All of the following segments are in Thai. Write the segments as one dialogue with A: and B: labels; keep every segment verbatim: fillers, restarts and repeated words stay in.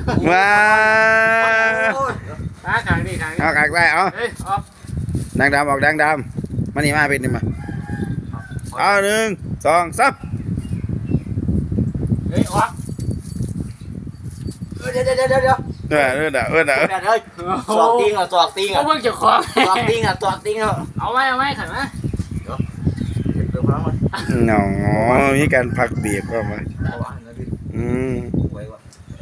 A: มา
B: ขาขางนี่ขางนี่
A: เอาขางได้เอา
B: เฮ้ยออก
A: ดังดำออกดังดำมานี่มาเป็นนี่มาเอาหนึ่งสองสาม
B: เฮ้ยออก
C: เดี๋ยวเดี๋ยวเดี๋ยวเดี๋ยว
A: เออเออเออเออเออ
C: เดี๋ยวสอกติ้งอ่ะสอกติ้ง
B: เขา
C: อ่ะ
B: เพิ่งจะคว้า
C: สอกติ้งอ่ะสอกติ้งอ่ะ
B: เอาไว้เอาไว้ขันนะ
C: เดี๋ยวพลังมัน
A: หนอมีการพักเบรกก็มา
C: เอาวะนะพี่
A: อืม
C: ไว้วะ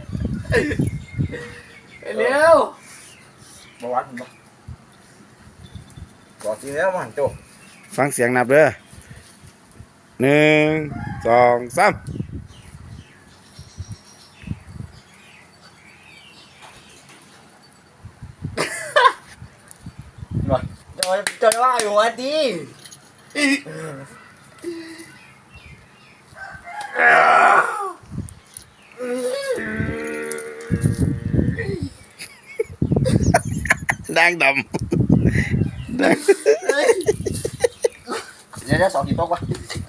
B: เร็ว
C: มาวัดมันปะสอกติ้งแล้วมันโจ
A: ฟังเสียงนับเด้อหนึ่งสองสาม
C: จะจะว่าอยู่วันดี
A: ดังดำดัง
C: เดี๋ยวจะสอกกี่ตกวะ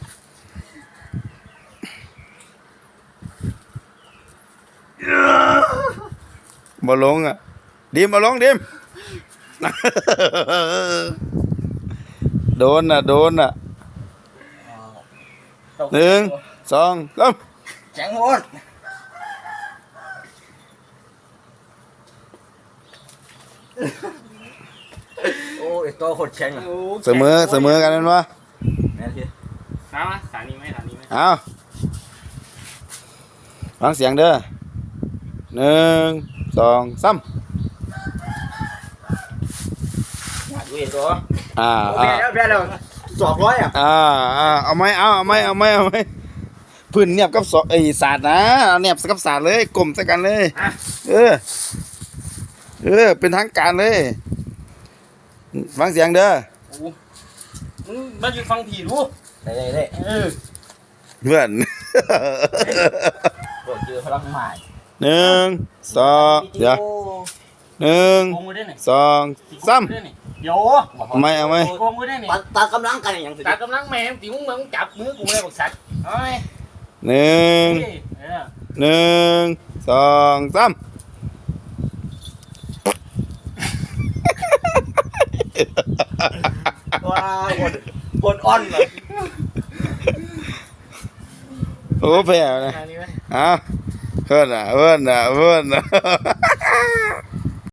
A: บ่ลงอ่ะดิมบ่ลงดิมโดนอ่ะโดนอ่ะหนึ่งสองสาม
C: แข็งหมดโอ้ยตัวโคตรแข็งอ่ะ
A: เสมอเสมอกันนั่นวะ
C: แม่พี่
B: สามสานีไหมสานีไหม
A: เอาฟังเสียงเด้อหนึ่งสองสาม
C: ดูเห็นตัว
A: อ่า
C: แพ้แล้วแพ้แล้วสองร้อยอ่ะ
A: อ่าอ่าเอาไหมเอาเอาไหมเอาไหมเอาไหมพื้นเนียบกับสไอ้ศาสตร์นะเอาเนียบกับศาสตร์เลยกลมใส่กันเลยเออเออเป็นทางการเลยฟังเสียงเด้อ
B: มันอยู่ฟังผีรู้
C: ได้ได้ได้
B: เออ
A: เพื่อน
C: โดดเจอพลังใหม่
A: หนึ่งสองเดี๋ยวหนึ่ง
B: โกงมือได้ไหน
A: สองสาม
B: โย
A: เอาไหมเอาไหม
B: โกงมือได้ไหน
C: ตากำลังกันอย่างสุด
B: ตากำลังแม่ตีมึงมึงจับมือกูเลยบอกสัตว์เอาไหม
A: หนึ่ง
B: เออ
A: หนึ่งสองสาม
C: ว้าวคนคนอ่อนเลย
A: โอ้แพ้นะ
B: สานีไหม
A: เอาเพื่อนอ่ะเพื่อนอ่ะเพื่อนอ่ะ